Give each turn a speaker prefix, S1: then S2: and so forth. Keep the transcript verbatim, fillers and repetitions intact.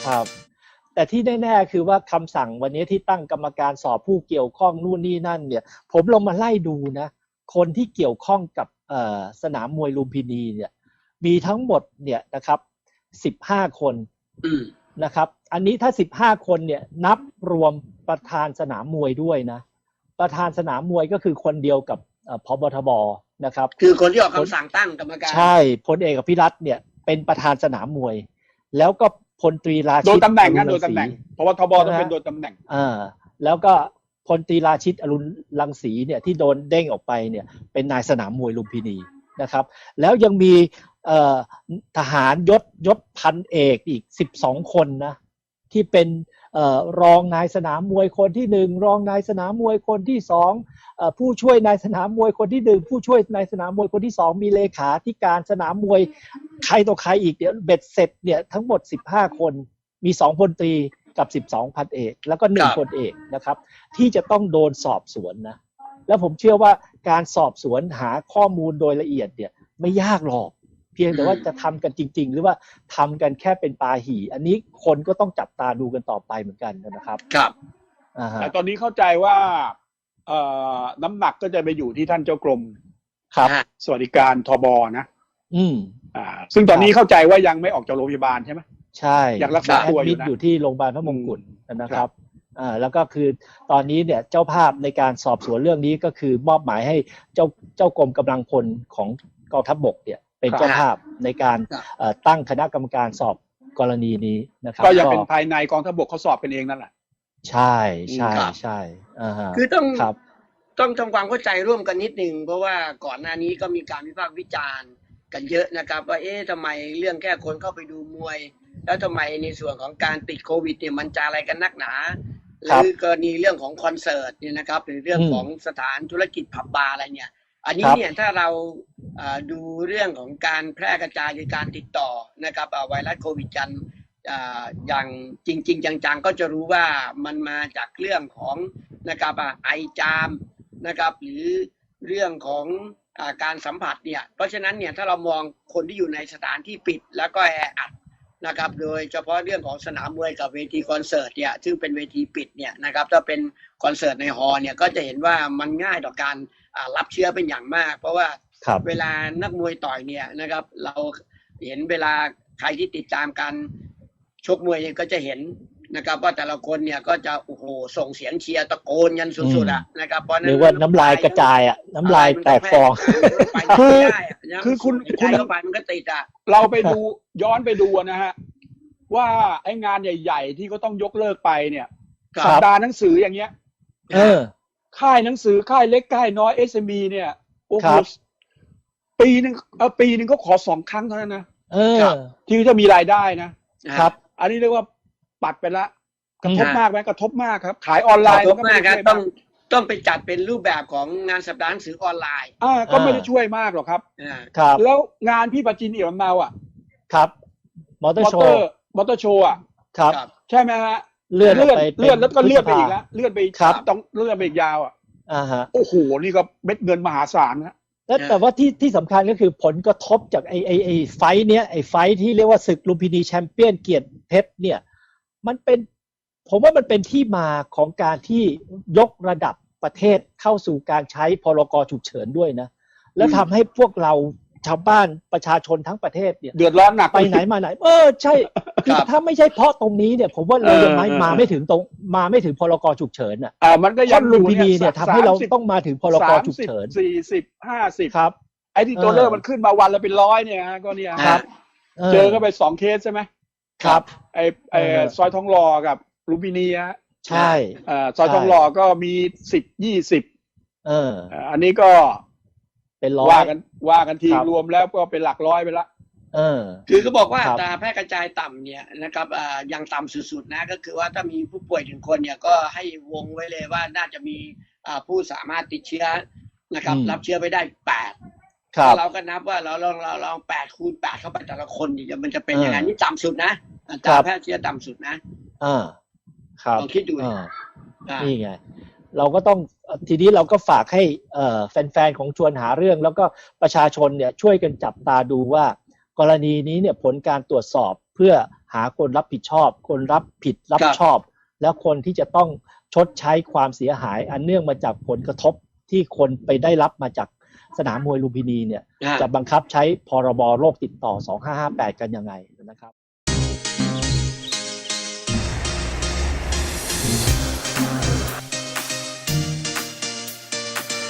S1: ครับแต่ที่แน่ๆคือว่าคำสั่งวันนี้ที่ตั้งกรรมการสอบผู้เกี่ยวข้องนู่นนี่นั่นเนี่ยผมลองมาไล่ดูนะคนที่เกี่ยวข้องกับสนามมวยลุมพินีเนี่ยมีทั้งหมดเนี่ยนะครับสิบห้าคนนะครับอันนี้ถ้าสิบห้าคนเนี่ยนับรวมประธานสนามมวยด้วยนะประธานสนามมวยก็คือคนเดียวกับผบ.ทบ.นะครับ
S2: คือคนที่ออกคำสั่งตั้งกรรมการ
S1: ใช่พลเอกอภิรัตน์เนี่ยเป็นประธานสนามมวยแล้วก็พลตรีราชิต
S3: โดนตำแหน่งนะโดนตำแหน่งเพราะว่าทบต้องเป็นโดนตำแหน่ง
S1: อ่าแล้วก็พลตรีราชิตอรุณรังสีเนี่ยที่โดนเด้งออกไปเนี่ยเป็นนายสนามมวยลุมพินีนะครับแล้วยังมีเอ่อทหารยศยศพันเอกอีกสิบสองคนนะที่เป็นเอ่อรองนายสนามมวยคนที่หนึ่งรองนายสนามมวยคนที่สองเอ่อผู้ช่วยนายสนามมวยคนที่หนึ่งผู้ช่วยนายสนามมวยคนที่สองมีเลขาธิการสนามมวยใครต่อใครอีกเดี๋ยวเบ็ดเสร็จเนี่ยทั้งหมดสิบห้าคนมีสองพลตรีกับสิบสองพันเอกแล้วก็หนึ่งพลเอกนะครับที่จะต้องโดนสอบสวนนะแล้วผมเชื่อว่าการสอบสวนหาข้อมูลโดยละเอียดเนี่ยไม่ยากหรอกเพียงแต่ว่าจะทำกันจริงๆหรือว่าทำกันแค่เป็นปาหี่อันนี้คนก็ต้องจับตาดูกันต่อไปเหมือนกันนะครับ
S2: ครับ
S3: แต่ตอนนี้เข้าใจว่าเอ่อน้ำหนักก็จะไปอยู่ที่ท่านเจ้ากรม
S1: ครับ
S3: สวัสดิการทบนะ
S1: อืม
S3: อ่าซึ่งตอนนี้เข้าใจว่ายังไม่ออกจากโรงพยาบาลใช่ไหม
S1: ใช่
S3: ยังรักษาตัวอยู่นะ
S1: อยู่ที่โรงพยาบาลพระมงกุฎนะครับอ่าแล้วก็คือตอนนี้เนี่ยเจ้าภาพในการสอบสวนเรื่องนี้ก็คือมอบหมายให้เจ้าเจ้ากรมกำลังพลของกองทัพบกเนี่ยเป็นเจ้าภาพในการตั้งคณะกรรมการสอบกรณีนี้นะครับ
S3: ก็ยังเป็นภายในกองทัพบกเขาสอบกันเองนั่นแหละ
S1: ใช่ใช่ใช่
S2: คือต้องต้องทำความเข้าใจร่วมกันนิดนึงเพราะว่าก่อนหน้านี้ก็มีการวิพากษ์วิจารณ์กันเยอะนะครับว่าเอ๊ะทำไมเรื่องแค่คนเข้าไปดูมวยแล้วทำไมในส่วนของการติดโควิดเนี่ยมันจะอะไรกันนักหนาหรือกรณีเรื่องของคอนเสิร์ตเนี่ยนะครับหรือเรื่องของสถานธุรกิจผับบาร์อะไรเนี่ยอันนี้เนี่ยถ้าเราดูเรื่องของการแพร่กระจายหรือการติดต่อนะครับไวรัสโควิดกันอย่างจริงๆจังๆก็จะรู้ว่ามันมาจากเรื่องของนะครับไอจามนะครับหรือเรื่องของการสัมผัสเนี่ยเพราะฉะนั้นเนี่ยถ้าเรามองคนที่อยู่ในสถานที่ปิดแล้วก็แออัดนะครับโดยเฉพาะเรื่องของสนามมวยกับเวทีคอนเสิร์ตเนี่ยซึ่งเป็นเวทีปิดเนี่ยนะครับถ้าเป็นคอนเสิร์ตในฮอลล์เนี่ยก็จะเห็นว่ามันง่ายต่อการรับเชื้อเป็นอย่างมากเพราะว่าเวลานักมวยต่อยเนี่ยนะครับเราเห็นเวลาใครที่ติดตามการชกมวยก็จะเห็นนะครับว่าแต่ละคนเนี่ยก็จะโอ้โหส่งเสียงเชียร์ตะโกนยันสุดๆอ่ะนะครับเพราะนั้น
S1: หรือว่าน้ำลายกระจายอ่ะน้ำลายแตกฟอง
S3: คือคือคุณ
S2: คุณเข้าไปมันก็ติดอ่ะ
S3: เราไปดูย้อนไปดูนะฮะว่าไอ้งานใหญ่ๆที่เขาต้องยกเลิกไปเนี่ยสัปดาห์หนังสืออย่างเงี้ย
S1: เออ
S3: ค่ายหนังสือค่ายเล็กค่ายน้อย เอส เอ็ม อี เนี่ยโอ้โหปีนึงเออปีนึงก็ขอสองครั้งเท่านั้นนะ
S1: เออ
S3: ที่จะมีรายได้นะครับอันนี้เรียกว่าปัดไปละกระทบมากไหมกระทบมากครับขายออนไลน์
S2: ก็ไม่ได้ต้องต้องไปจัดเป็นรูปแบบของงานสัปดาห์หนังสือออนไลน์
S3: อ่าก็ไม่ได้ช่วยมากหรอกครับ
S1: ครับ
S3: แล้วงานพี่ปาจินเอี่ยมเมาอ่ะ
S1: ครับมอเตอร์โชว์
S3: มอเตอร์โชว์อ่ะ
S1: ครับ
S3: ใช่ไหมฮะ
S1: เลื่อน
S3: เลื่อนเลื่อนแล้วก็เลื่อนไปอีกแล้วเลื่อนไปต้องเลื่อนไปอีกยาวอ่ะ
S1: อ่าฮะ
S3: โอ้โหนี่ก็เม็ดเงินมหาศาลนะ
S1: แต่ว่าที่ที่สำคัญก็คือผลกระทบจากไอไอไอไฟเนี้ยไอไฟที่เรียกว่าศึกลุมพินีแชมเปี้ยนเกียรติเพชรเนี่ยมันเป็นผมว่ามันเป็นที่มาของการที่ยกระดับประเทศเข้าสู่การใช้พรกฉุกเฉินด้วยนะแล้วทำให้พวกเราชาวบ้านประชาชนทั้งประเทศเนี่ย
S3: เดือดร้อนหนัก
S1: ไปไหนมาไหนเออใช่คือถ้าไม่ใช่เพราะตรงนี้เนี่ยผมว่าเรายังไม่มาไม่ถึงตรงมาไม่ถึงพรกฉุกเฉินอ่ะ
S3: อ่ามันก็ยัง
S1: ลุมพินีเนี่ยทำให้เราต้องมาถึงพรกฉุกเฉิน
S3: สี่สิบห้าสิบ
S1: ครับ
S3: ไอ้ที่ตัวเลขมันขึ้นมาวันละเป็นร้อยเนี่ยฮะก็เนี่ย
S1: ครับ
S3: เจอก็ไปสองเคสใช่ไหม
S1: ครับ
S3: ไอ้ไอ้ซอยทองหล่อกับลุมพินีฮะ
S1: ใช่
S3: อ่าซอยทองหล่อก็มีสิบยี่สิบ
S1: เออ
S3: อันนี้ก็
S1: เป็นร้อย
S3: ว่ากันว่ากันทีรวมแล้วก็เป็นหลักร้อยไปละ
S1: เออ
S2: คือเขาบอกว่าอัตราแพร่กระจายต่ำเนี่ยนะครับอ่ายังต่ำสุดๆนะก็คือว่าถ้ามีผู้ป่วยถึงคนเนี่ยก็ให้วงไว้เลยว่าน่าจะมีอ่าผู้สามารถติดเชื้อนะครับรับเชื้อไปได้แปดเราก็นับว่าเราลองเราลองแปดคูณแปดเข้าไปแต่ละคนเนี่ยมันจะเป็นยังไงนี่ต่ำสุดนะอัตราแพร่เชื้อต่ำสุดนะ
S1: อ่าครับ
S2: ลองคิดดู
S1: นี่ไงเราก็ต้องทีนี้เราก็ฝากให้แฟนๆของชวนหาเรื่องแล้วก็ประชาชนเนี่ยช่วยกันจับตาดูว่ากรณีนี้เนี่ยผลการตรวจสอบเพื่อหาคนรับผิดชอบ คนรับผิดรับ
S2: ครับ
S1: ชอบ แล้วคนที่จะต้องชดใช้ความเสียหาย อันเนื่องมาจากผลกระทบที่คนไปได้รับมาจากสนามมวยลุมพินีเนี่ย
S2: อ่า
S1: จะบังคับใช้พรบโรคติดต่อสองห้าห้าแปดกันยังไงนะครับ